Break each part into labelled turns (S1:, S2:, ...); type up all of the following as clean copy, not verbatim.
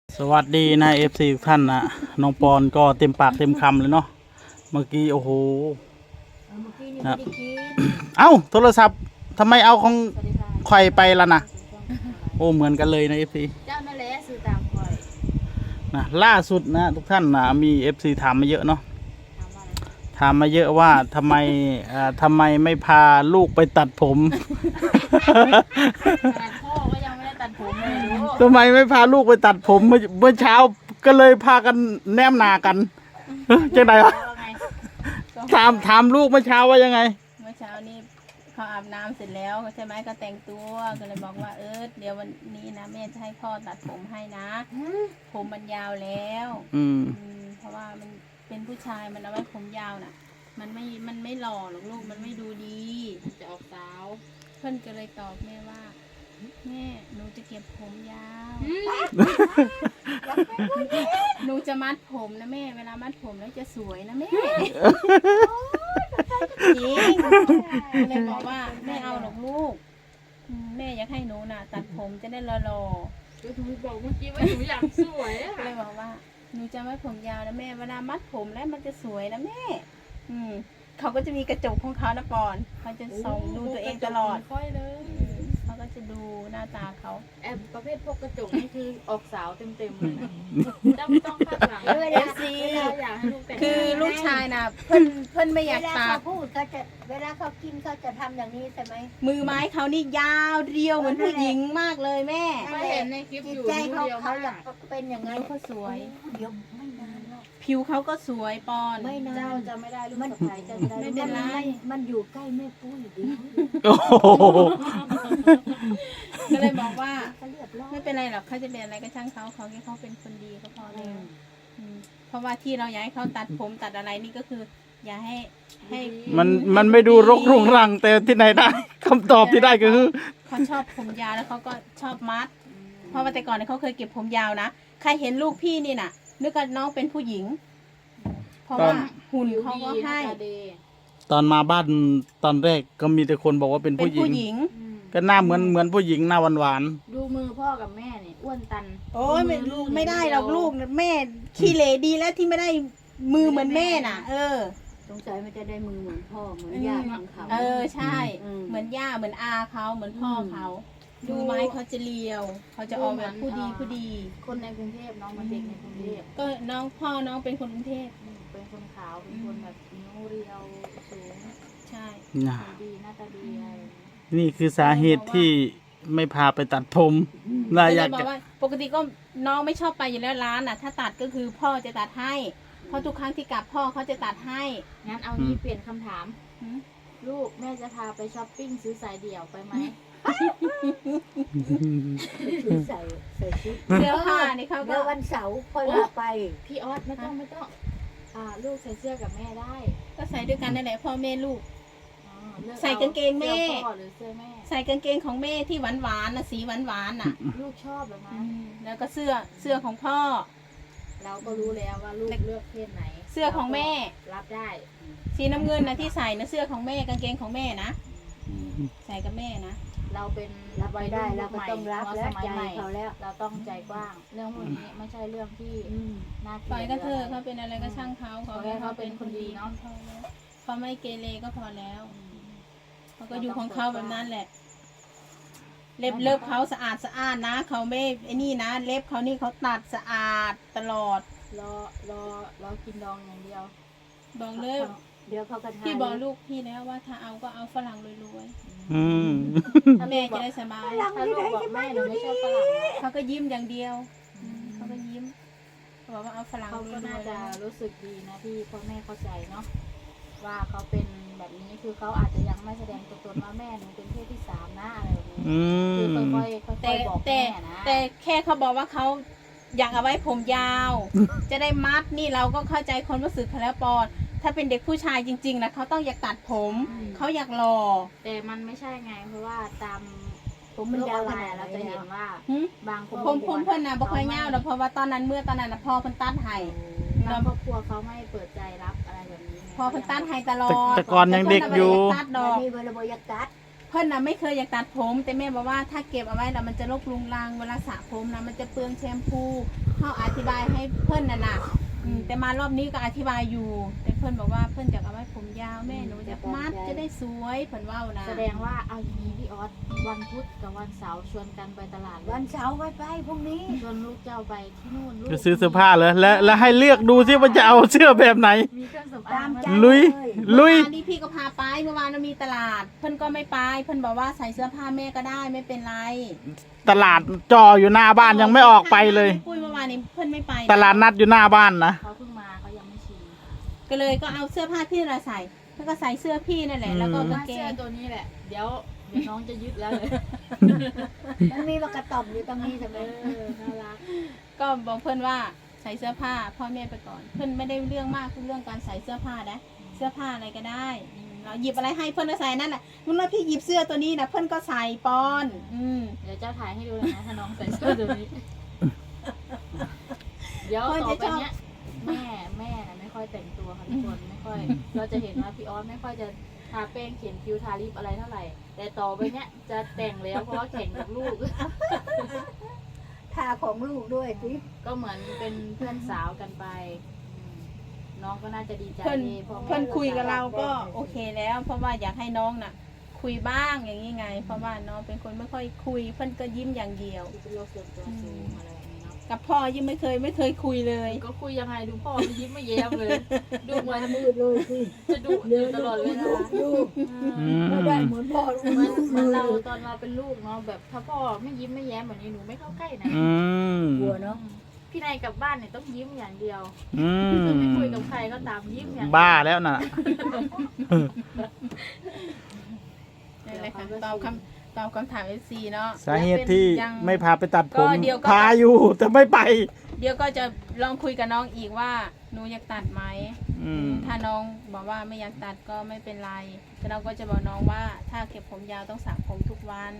S1: สวัสดีนะFC ทุกท่านนะน้องปอนก็เต็มปากเต็มคำเลยเนาะเมื่อกี้โอ้โห
S2: เมื่อกี้นี่
S1: นะ
S2: ไม่ได้กิน
S1: เอ้าโทรศัพท์ทำไมเอาของ
S2: สวัสดีค่ะ
S1: ใครไปล่ะนะโอ้เหมือนกันเลยนะ FC
S2: เจ้านั่นแหละซื้อตามคอย
S1: นะล่าสุดนะทุกท่านนะมี FC ถามมาเยอะเนาะ
S2: ถามว่าอะไร
S1: ถามมาเยอะว่าทำไมไม่พาลูกไปตัดผม
S2: ขนาดพ่อก็ยังไม่ได้ตัดผมเลยรู้
S1: ทำไมไม่พาลูกไปตัดผมเมื่อเช้าก็เลยพากันแนมหนากันจังไดวะ
S2: ว่าไง
S1: ถามลูกเมื่อเช้าว่ายังไง
S2: เมื่อเช้านี้เขาอาบน้ำเสร็จแล้วใช่ไหมก็แต่งตัวก็เลยบอกว่าเดี๋ยววันนี้นะแม่จะให้พ่อตัดผมให้นะ ผมมันยาวแล้ว
S1: อืม
S2: เพราะว่ามันเป็นผู้ชายมันเอาไว้ผมยาวน่ะ มันไม่หล่อหรอกลูกมันไม่ดูดีจะออกสาวเพื่อนก็เลยตอบแม่ว่าแม่หนูจะเก็บผมยาวหนูจะมัดผมนะแม่เวลามัดผมแล้วจะสวยนะแม่จริงก็เลยบอกว่าแม่เอาหรอกลูกแม่อยากให้หนูน่ะ ตัดผมจะได้หล่อๆ
S3: ก็หนูบอกเมื่อกี้ว่าหนูอยากสวยอะ
S2: ก็เลยบอกว่าหนูจะไว้ผมยาวนะแม่เวลามัดผมแล้วมันจะสวยนะแม่ เขาก็จะมีกระจกของเขานะปอนเขาจะส่องดูตัวเองตลอด
S3: ค่อยเลย
S2: เขาก็จะดูหน้าตาเขา
S3: แอบประเภทพวกกระจกนี่คือออกสาวเต็มๆเลยนะเจ้าไม่ต้องคาดหวัง
S2: เว
S3: เว
S2: ลา
S3: ลาอยากให้ลูกแต่ง
S2: คือลูกชายนะเพื่อนไม่อยาก
S4: เวลา
S2: ตั
S4: เขา
S2: ด
S4: พูดเขาจะเวลาเขากินเขาจะทำอย่างนี้ใช่ไหม
S2: มือไม้เขานี่ยาวเรียวเหมือนผู้หญิงมากเลยแม่
S3: ไม่เห็นในคลิป
S4: จิ
S3: อ
S4: ต
S3: ยู่
S4: ใจ
S3: นิ้ว
S4: เขา
S3: เดียว
S4: เขา
S3: มาก
S4: อยากเป็นอย่าง
S2: แล้
S4: นั้น
S2: วเขาสวย
S4: เดี๋ยวไม่นานหรอก
S2: ผิวเขาก็สวยปอน
S4: ไม่นาน
S3: เจ้าจะไม่ได้ลูกสะใภ้เจ้าจะได้
S2: ไม่เป็นไร
S4: มันอยู่ใกล้แม่ปุ้ยดี
S1: โอ้โห
S2: ก็เลยบอกว่า
S4: เขาเรียบร้อย
S2: ไม่เป็นไรหรอกเขาจะเป็นอะไรก็ช่างเขาแค่เขาเป็นคนดีก็พอแล้ว เพราะว่าที่เราอยากให้เขาตัดผมตัดอะไรนี่ก็คือ อย่าให้
S1: มันไม่ดูรกรุงรังแต่ที่ไหนได้คำตอบที่ได้ก็คือ
S2: เขาชอบผมยาวแล้วเขาก็ชอบมัด เพราะว่าแต่ก่อนเนี่ยเขาเคยเก็บผมยาวนะใครเห็นลูกพี่นี่น่ะนึกว่าน้องเป็นผู้หญิง เพราะว่าหุ่นเขาก็ให้
S3: ผิวดี
S1: ตอนมาบ้านตอนแรกก็มีแต่คนบอกว่าเป็น
S2: เป็น
S1: ผู้หญิ
S2: ผู้
S1: ง
S2: หญิง
S1: ก็หน้าเหมือนผู้หญิงหน้าหวาน
S3: ดูมือพ่อกับแม่เนี่ยอ้วนตัน
S2: โอ้ยไม่ได้หรอกลูกแม่ขี้เหร่ดีแล้วที่ไม่ได้มือเหมือนแม่น่ะ
S4: สงสัยมันจะได้มือเหมือนพ่อเหมือนญาติของเขา
S2: ใช่ เหมือนย่าเหมือนอาเขาเหมือนพ่อเขาดูไม้เขาจะเลียว เขาจะออกแบบผู้ดี
S3: คนในกรุงเทพน้องมันเด็กในกรุงเทพ
S2: ก็น้องพ่อน้องเป็นคนกรุงเทพ
S3: เป็นคนขาวเป็นคนแบบนิ้วเรียวสูง
S2: ใช่
S1: ๆนะ
S3: ดีหน้าตาดีอะไรอย่างเงี้ย
S1: นี่คือสาเหตุที่ไม่พาไปตัดผม
S2: ก็
S1: น่า
S2: เล
S1: อยาก
S2: ยบอก
S1: จะ
S2: ว่าปกติก็น้องไม่ชอบไปอยู่แล้วร้านน่ะ ถ้าตัดก็คือพ่อจะตัดให้ เพราะทุกครั้งที่กลับพ่อเขาจะตัดให้
S3: งั้นเอางี้เปลี่ยนคำถาม
S2: หืม
S3: ลูกแม่จะพาไปช้อปปิ้งซื้อสายเดี่ยวไปไหม
S4: คือใส่ชุด
S2: เสื้อผ้านี่เขาก็
S4: เดี๋ยววันเสาร์ค่อยพาไป
S3: พี่ออสไม่ต้องลูกใส่เสื้อกับแม่ได้
S2: ก็ใส่ด้วยกันนั่นแหละพ่อแม่ลูก
S3: อ๋อเลือ
S2: ใส่กางเกงแม่
S3: สื้อพ่อหรือเสื้อแม่
S2: ใส่กางเกงของแม่ที่หวานๆน่ะสีหวานๆน่ะ
S3: ลูกชอบแบบนั้น
S2: แล้วก็เสื้อของพ่อ
S3: เราก็รู้แล้วว่าลูกเลือกเพศไหน
S2: เสื้อของแม่
S3: รับได้
S2: สีน้ำเงินนะที่ใส่นะเสื้อของแม่กางเกงของแม่นะใส่กับแม่นะ
S3: เราเป็น
S4: รับไม่ได้เราก็ต้องรับ
S3: หั
S4: แล้ว
S3: สมัย
S4: ใจ
S3: ใหม่
S4: เขาแล้ว
S3: เราต้องใจกว้าง เรื่องพวกนี้ไม่ใช่เรื่องที่น่าเก
S2: ปล่อย
S3: ลียด
S2: ก็เถอะ
S3: หรื
S2: เขาเป็นอะไรก็ช่างเขา
S3: ขอให้เขาเป็นคนดีเนาะ
S2: เขาไม่เกเรก็พอแล้วเขาก็อยู่ของเขาแบบนั้นแหละ เล็บเขาสะอาดนะเขาไม่ไอ้นี่นะเล็บเขานี่เขาตัดสะอาดตลอด
S3: รอกินดองอย่างเดียว
S2: บอกเลย
S4: เดี๋ยวเขาก็ทาน
S2: พี่บอกลูกพี่แล้วว่าถ้าเอาก็เอาฝรั่งรวย
S1: อืม
S2: ๆถ้าแม่จะได้สบาย
S3: ถ้าลูกบอกแม่หนูไม่ชอบฝรั่งนะ
S2: เขาก็ยิ้มอย่างเดียวเขาก็ยิ้มเขาบอกว่าเอาฝรั่ง
S3: เขา
S2: ร
S3: ก็
S2: ว
S3: น่าย
S2: ๆ
S3: จะ
S2: แล้ว
S3: รู้สึกดีนะที่พ่อแม่เข้าใจเนาะว่าเขาเป็นแบบนี้คือเขาอาจจะยังไม่แสดงตัวตนว่าแม่หนูเป็นเพศที่สามนะอะไรแบบนี้
S1: อื
S3: คือ
S1: ม
S3: ค่อยๆค่อยๆบอก
S2: แต่
S3: แม่นะ
S2: แต่แค่เขาบอกว่าเขาอยากเอาไว้ผมยาว จะได้มัดนี่เราก็เข้าใจความรู้สึกเขาแล้วปอนถ้าเป็นเด็กผู้ชายจริงๆนะเขาต้องอยากตัดผมเขาอยากหล่อ
S3: แต่มันไม่ใช่ไงเพราะว่าตาม
S4: ผมมันยาวขนาด
S3: เรา
S4: ไหน
S3: จะเห็นว่า
S2: หึ
S3: บางครอบ
S2: ผม
S3: ครัว
S2: เพื่อนนะบ่ค่อยยาวหรอกเพราะว่าตอนนั้นนะพ่อเพิ่นตัดให้
S3: บางครอบครัวเขาไม่เปิดใจรับอะไรแบบนี้ไง
S2: พ่อเพิ่นตัดให้ตลอด
S1: แต่ก่อนยังเด็กอยู่
S2: พิ่นน่ะบ่ได้ากตัดด
S4: แล้
S2: อ
S4: ว
S2: ก
S4: มีเวลาบอยากตัด
S2: เพิ่นน่ะไม่เคยอยากตัดผม แต่แม่บอกว่าถ้าเก็บเอาไว้แล้วมันจะรกรุงรังเวลาสระผมนะมันจะเปลืองแชมพูเขาอธิบายให้เพิ่นน่ะแต่มารอบนี้ก็อธิบายอยู่ แต่เพิ่นบอกว่าเพิ่นจะเอาไว้ผมยาวแม่หนูจะมัดจะได้สวยเพิ่นเว้านะ
S3: แสดงว่าเอาอย่างนี้พี่ออสวันพุธกับวันเสาร์ชวนกันไปตลาดเลย
S4: วันเสาร์ไปพรุ่งนี้
S3: ชวนลูกเจ้าไปที่นู่นลูก
S1: จะซื้อเสื้อผ้าเลยแล้วให้เลือกดูซิว่าจะเอาเสื้อแบบไหน
S3: มีเครื่องสำ
S4: ตา
S3: อาง
S4: ม
S3: มา
S4: ใจ
S1: ลุย
S4: เลย
S1: ลุย
S2: เมื่อวานนี้พี่ก็พาไปเมื่อวานเรามีตลาด เพิ่นก็ไม่ไปเพิ่นบอกว่าใส่เสื้อผ้าแม่ก็ได้ไม่เป็นไร
S1: ตลาดจออยู่หน้าบ้านยังไม่ออกไปเลย
S2: ปุ้ยเมื่อวานนี้เพิ่นไม่ไป
S1: ตลาดนัดอยู่หน้าบ้านนะ
S3: เขาเพิ่งมาเขายังไม่ชิน
S2: ก็เลยก็เอาเสื้อผ้าพี่เราใส่แล้วก็ใส่เสื้อพี่นั่นแหละแล้วก็กางเก
S3: เสื้อง ตัวนี้แหละ เดี๋ยวน้องจะยึดแล้วเลย
S4: มันมีปากกระต่อมอยู่ตรงนี้ใช่ไหม
S3: น่ารัก
S2: ก็บอกเพื่อนว่าใส่เสื้อผ้าพ่อแม่ไปก่อน เพื่อนไม่ได้เรื่องมากคือเรื่องการใส่เสื้อผ้านะเสื้อผ้าอะไรก็ได้เราหยิบอะไรให้เพื่อนก็ใส่นั่นแหละมึงว่าพี่หยิบเสื้อตัวนี้นะเพื่อนก็ใส่ปอน
S3: เดี๋ยวเจ้าถ่ายให้ดูเลยนะถ้าน้องใส่เสื้อตัวนี้ เดี๋ยวต่อไปเนี้ยแม่น่ะไม่ค่อยแต่งตัวค่ะทุกคนไม่ค่อยเราจะเห็นว่าพี่ออสไม่ค่อยจะทาแป้งเขียนคิ้วทาลิปอะไรเท่าไหร่ แต่ต่อไปเนี้ยจะแต่งแล้วเพราะว่าแข่งกับลูก
S4: ทาของลูกด้วยสิ
S3: ก็เหมือนเป็นเพื่อนสาวกันไปน้องก็น่าจะดีใจ
S2: เพื่อน
S3: ดีเพราะแม่
S2: เพื่อนคุยกับเราก็โอเคแล้ว เพราะว่าอยากให้น้องน่ะ คุยบ้างอย่างนี้ไง เพราะว่าน้องเป็นคนไม่ค่อยคุย เพื่อนก็ยิ้มอย่างเดียว
S3: เป็นโรคส่วนตัวสูงอะไรแบบนี้เนาะ
S2: กับพ่อยิ้มไม่เคยคุยเลย
S3: ก็คุยยังไงดูพ่อไม่ยิ้มไม่แย้มเลย ดูเหมือน
S4: มืดเลยสิ
S3: จะดุอยู่ตลอดเวลา
S4: ลูก
S1: อืม
S4: ไม่ได้เหมือนพ่อลูก
S3: เหมือนเราตอนเราเป็นลูกเนาะแบบถ้าพ่อไม่ยิ้มไม่แย้มแบบนี้หนูไม่เข้าใกล้นะ
S1: อืม
S4: กลัวเนาะ
S3: พี่นายกลับบ้านเนี่ยต้องยิ้มอย่างเดียว
S1: อืม
S3: จะไม่คุยกับใครก็ตามยิ้มอย่างเดียว
S1: บ้าแล้วน่ะ
S2: นั่นแหละค่ะตอบคำถาม FC เนาะ
S1: สาเหตุที่
S2: ยัง
S1: ไม่พาไปตัดผม
S2: ก็เดี๋ยวก็
S1: พาอยู่แต่ไม่ไป
S2: เดี๋ยวก็จะลองคุยกับน้องอีกว่าหนูอยากตัดไหม
S1: อืม
S2: ถ้าน้องบอกว่าไม่อยากตัดก็ไม่เป็นไรแต่เราก็จะบอกน้องว่าถ้าเก็บผมยาวต้องสระผมทุกวัน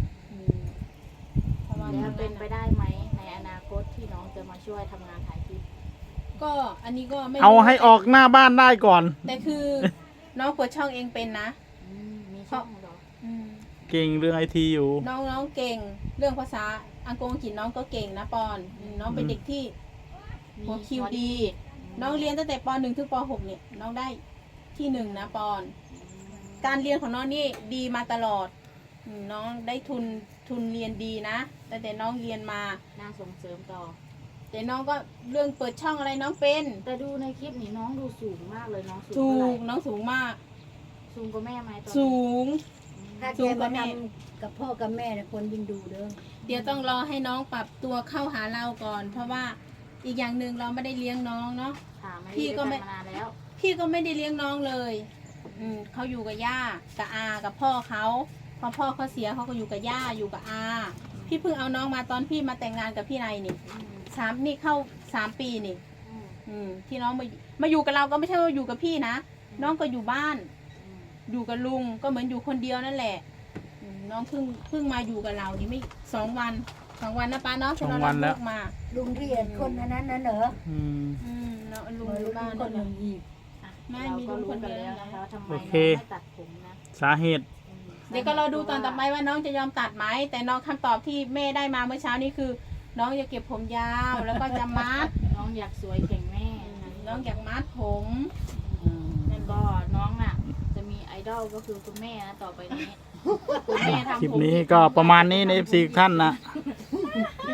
S2: เพราะว่า
S3: แล้วเป็นไปได้ไหมในอนาคตที่น้องจะมาช่วยทำงานถ่ายคลิป
S2: ก็อันนี้ก็ไม่รู้
S1: เอาให้ออกหน้าบ้านได้ก่อน
S2: แต่คือน้องเปิดช่องเองเป็นนะ
S3: มีช่องเหรอ
S2: อืม
S1: เก่งเรื่องไอทีอยู่
S2: น้องเก่งเรื่องภาษาอังกฤษน้องก็เก่งนะปอนน้องเป็นเด็กที่ หัวคิวดี น้องเรียนตั้งแต่ป .1 ถึงป .6 เนี่ยน้องได้ที่ 1นะปอน การเรียนของน้องนี่ดีมาตลอดน้องได้ทุนเรียนดีนะตั้งแต่น้องเรียนมา
S3: น่าส่งเสริมต่อ
S2: แต่น้องก็เรื่องเปิดช่องอะไรน้องเป็น
S3: แต่ดูในคลิปนี่น้องดูสูงมากเลยน้องสูง
S2: สู
S3: เท่าไหร่
S2: งน้องสูงมาก
S3: สูงกว่าแม่ไหมตอนนี้
S2: สูง
S4: ถ้าแกมาทำกับพ่อกับแม่เนี่ยคนยิ่งดูเด้อ
S2: เดี๋ยวต้องรอให้น้องปรับตัวเข้าหาเราก่อน เพราะว่าอีกอย่างหนึ่งเราไม่ได้เลี้ยงน้องเนาะ
S3: ค่ะไม่
S2: พี่
S3: ได้
S2: ก็
S3: ไป
S2: ไม่
S3: มานานแล้ว
S2: พี่ก็ไม่ได้เลี้ยงน้องเลยเขาอยู่กับย่ากับอากับพ่อเขาพอพ่อเขาเสียเขาก็อยู่กับย่าอยู่กับอาพี่เพิ่งเอาน้องมาตอนพี่มาแต่งงานกับพี่นายนี่นี่เข้า3 ปีนี่ ที่น้องมาอยู่กับเราก็ไม่ใช่ว่าอยู่กับพี่นะน้องก็อยู่บ้าน อยู่กับลุงก็เหมือนอยู่คนเดียวนั่นแหละน้องเพิ่งมาอยู่กับเรานี่ไม่2 วันนะป้าเนาะที่เรา
S1: 2 วันแล้ว
S2: เลิกมา
S4: ลุงเรียนคนอันนั้นน่ะเหรอ
S1: อืม
S2: เนาะลุง
S4: เหมือน
S2: อยู่
S4: ลุง
S2: บ้าน
S4: คนหนึ่งอีก
S2: ไม่
S3: เรา
S2: มี
S3: ก็
S2: ลุง
S3: รู้
S2: คน
S3: กัน
S2: เดียว
S3: แล้วนะคะว่าทำไม
S1: โอ
S3: น้อง
S1: เค
S3: ไม่ตัดผมนะ
S1: สาเหตุ
S2: เดี๋ยวก็เราดูตอนต่อไปว่าน้องจะยอมตัดไหมแต่น้องคำตอบที่แม่ได้มาเมื่อเช้านี้คือ น้องจะเก็บผมยาวแล้วก็จะมัด
S3: น้องอยากสวยแข่งแม่นะคะ
S2: น้องอยากมัดผม
S3: นั่นก็น้องน่ะ จะมีไอดอลก็คือคุณแม่นะต่อไปนี้คุณแม่ทำผม
S1: คลิปนี้ก็ประมาณนี้ใน FC ท่านนะ
S3: ค